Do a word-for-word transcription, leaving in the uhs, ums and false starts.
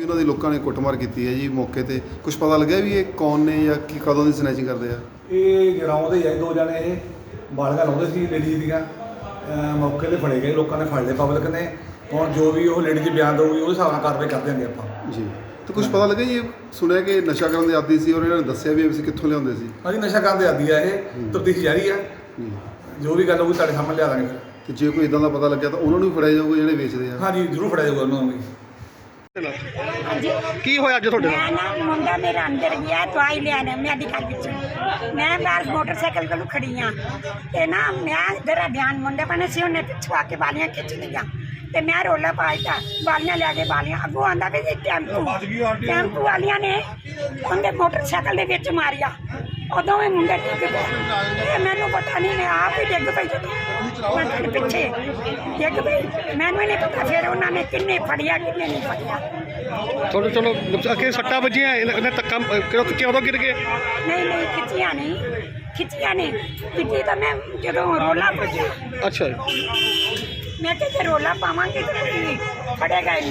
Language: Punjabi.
ਇਹਨਾਂ ਦੀ ਲੋਕਾਂ ਨੇ ਕੁੱਟਮਾਰ ਕੀਤੀ ਹੈ ਜੀ ਮੌਕੇ ਤੇ। ਕੁਝ ਪਤਾ ਲੱਗਿਆ ਵੀ ਇਹ ਕੌਣ ਨੇ ਜਾਂ ਕੀ ਕਦੋਂ ਦੀ ਸਨੈਚਿੰਗ ਕਰਦੇ ਆ? ਇਹ ਗਰਾਊਂਡ ਦੇ ਹੀ ਦੋ ਜਣੇ ਇਹ ਬਾਲਗਾ ਲਾਉਂਦੇ ਸੀ ਲੇਡੀਜ਼ ਦੀਆਂ। ਮੌਕੇ ਤੇ ਫੜੇ ਗਏ, ਲੋਕਾਂ ਨੇ ਫੜ ਲਏ ਪਬਲਿਕ ਨੇ। ਹੁਣ ਜੋ ਵੀ ਉਹ ਲੇਡੀ 'ਚ ਬਿਆਨ ਦਊਗੀ ਉਹਦੇ ਹਿਸਾਬ ਨਾਲ ਕਾਰਵਾਈ ਕਰ ਦਿਆਂਗੇ ਆਪਾਂ ਜੀ। ਤੇ ਕੁਝ ਪਤਾ ਲੱਗਿਆ ਜੀ, ਸੁਣਿਆ ਕਿ ਨਸ਼ਾ ਕਰਨ ਦੇ ਆਦੀ ਸੀ ਔਰ ਇਹਨਾਂ ਨੇ ਦੱਸਿਆ ਵੀ ਅਸੀਂ ਕਿੱਥੋਂ ਲਿਆਉਂਦੇ ਸੀ? ਹਾਂਜੀ, ਨਸ਼ਾ ਕਰਨ ਦੇ ਆਦੀ ਆ ਇਹ, ਤਫਤੀਸ਼ ਜਾਰੀ ਆ ਜੀ। ਜੋ ਵੀ ਗੱਲ ਹੋਊਗੀ ਤੁਹਾਡੇ ਸਾਹਮਣੇ ਲਿਆ ਦਾਂਗੇ ਫਿਰ। ਤੇ ਜੇ ਕੋਈ ਇਦਾਂ ਦਾ ਪਤਾ ਲੱਗਿਆ ਤਾਂ ਉਹਨਾਂ ਨੂੰ ਵੀ ਫੜਿਆ ਜਾਊਗਾ ਜਿਹੜੇ ਵੇਚਦੇ ਆ? ਹਾਂਜੀ, ਜ਼ਰੂਰ ਫੜਿਆ ਜਾਊਗਾ ਉਹਨਾਂ ਨੂੰ ਵੀ। ਕੀ ਹੋਇਆ ਅੱਜ ਤੁਹਾਡੇ ਨਾਲ? ਨਾ ਮੁੰਡਾ ਮੇਰਾ ਅੰਦਰ ਗਿਆ ਦਵਾਈ ਲੈਣ ਮੈਡੀਕਲ ਵਿੱਚ। ਮੈਂ ਬਾਹਰ ਮੋਟਰਸਾਈਕਲ ਕੋਲ ਖੜੀ ਆ ਤੇ ਨਾ ਮੈਂ ਇਧਰ ਧਿਆਨ ਮੁੰਡੇ ਬਣੇ ਸੀ, ਉਹਨੇ ਪਿੱਛੋਂ ਆ ਕੇ ਬਾਲੀਆਂ ਖਿੱਚ ਲਈਆਂ ਤੇ ਮੈਂ ਰੋਲਾ ਪਾਇਆ। ਬਾਲੀਆਂ ਲੈ ਕੇ ਬਾਲੀਆਂ ਅੱਗੋਂ ਆਂਦਾ ਵੀ ਟੈਂਪੂ ਟੈਂਪੂ ਵਾਲੀਆਂ ਨੇ ਉਹਦੇ ਮੋਟਰਸਾਈਕਲ ਦੇ ਵਿੱਚ ਮਾਰਿਆ। ਉਦੋਂ ਵੀ ਮੁੰਡੇ ਡਿੱਗ ਪਏ, ਮੈਨੂੰ ਪਤਾ ਨਹੀਂ, ਮੈਂ ਆਪ ਹੀ ਡਿੱਗ ਪਈ ਜਦੋਂ ਮੈਂ ਪਿੱਛੇ ਡਿੱਗ ਪਈ। ਮੈਨੂੰ ਨਹੀਂ ਪਤਾ ਫਿਰ ਉਹਨਾਂ ਨੇ ਕਿੰਨੇ ਫੜਿਆ ਕਿੰਨੇ ਨਹੀਂ ਫੜਿਆ। ਚਲੋ ਚਲੋ ਅੱਗੇ ਸੱਟਾਂ ਵੱਜੀਆਂ, ਇਹਨੇ ਧੱਕਾ ਕਿਉਂ ਗਿਰ ਗਏ? ਨਹੀਂ ਨਹੀਂ ਖਿੱਚੀਆਂ ਨਹੀਂ ਖਿੱਚੀਆਂ ਨਹੀਂ ਖਿੱਚੀ ਤਾਂ ਮੈਂ ਜਦੋਂ ਰੋਲਾ ਪਾਇਆ। ਅੱਛਾ, ਮੈਂ ਕਿਹਾ ਜੇ ਰੋਲਾ ਪਾਵਾਂਗੇ ਤਾਂ ਕੋਈ ਫੜੇਗਾ ਹੀ ਨਹੀਂ।